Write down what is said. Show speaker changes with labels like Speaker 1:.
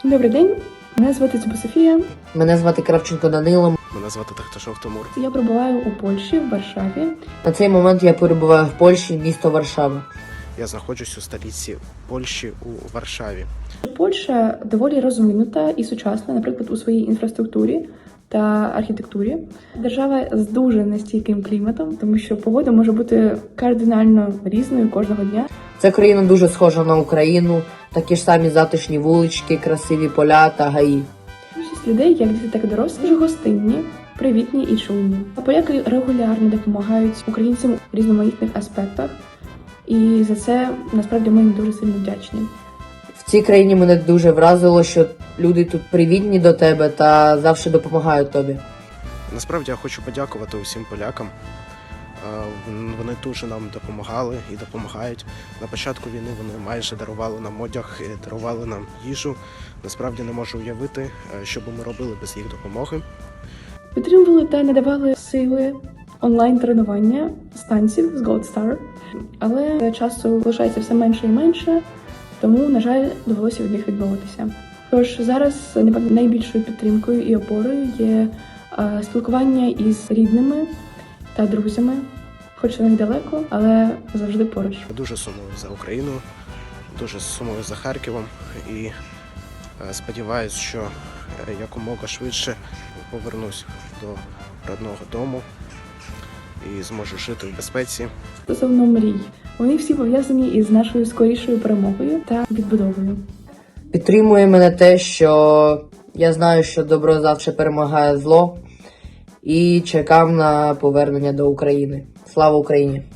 Speaker 1: Добрий день, мене звати Цюба Софія.
Speaker 2: Мене звати Кравченко Данило.
Speaker 3: Мене звати Тахташов Тимур.
Speaker 1: Я перебуваю у Польщі, в Варшаві.
Speaker 2: На цей момент я перебуваю в Польщі, місто Варшава.
Speaker 3: Я знаходжусь у столиці Польщі у Варшаві.
Speaker 1: Польща доволі розвинута і сучасна, наприклад, у своїй інфраструктурі та архітектурі. Держава з дуже нестійким кліматом, тому що погода може бути кардинально різною кожного дня.
Speaker 2: Ця країна дуже схожа на Україну, такі ж самі затишні вулички, красиві поля та гаї.
Speaker 1: Більшість людей, як діти, так і дорослі, дуже гостинні, привітні і чуйні. Поляки регулярно допомагають українцям у різноманітних аспектах, і за це насправді ми їм дуже сильно вдячні.
Speaker 2: В цій країні мене дуже вразило, що люди тут привітні до тебе та завжди допомагають тобі.
Speaker 3: Насправді я хочу подякувати усім полякам. Вони дуже нам допомагали і допомагають. На початку війни вони майже дарували нам одяг, дарували нам їжу. Насправді не можу уявити, що би ми робили без їх допомоги.
Speaker 1: Підтримували та надавали сили онлайн-тренування з танців з Gold Star, але часу лишається все менше і менше, тому, на жаль, довелося від них відмовитися. Тож зараз, напевно, найбільшою підтримкою і опорою є спілкування із рідними та друзями, хоч вони далеко, але завжди поруч.
Speaker 3: Я дуже сумую за Україну, дуже сумую за Харковом і сподіваюся, що якомога швидше повернусь до родного дому і зможу жити в безпеці.
Speaker 1: Стосовно мрій, вони всі пов'язані із нашою скорішою перемогою та відбудовою.
Speaker 2: Підтримує мене те, що я знаю, що добро завжди перемагає зло, і чекав на повернення до України. Слава Україні!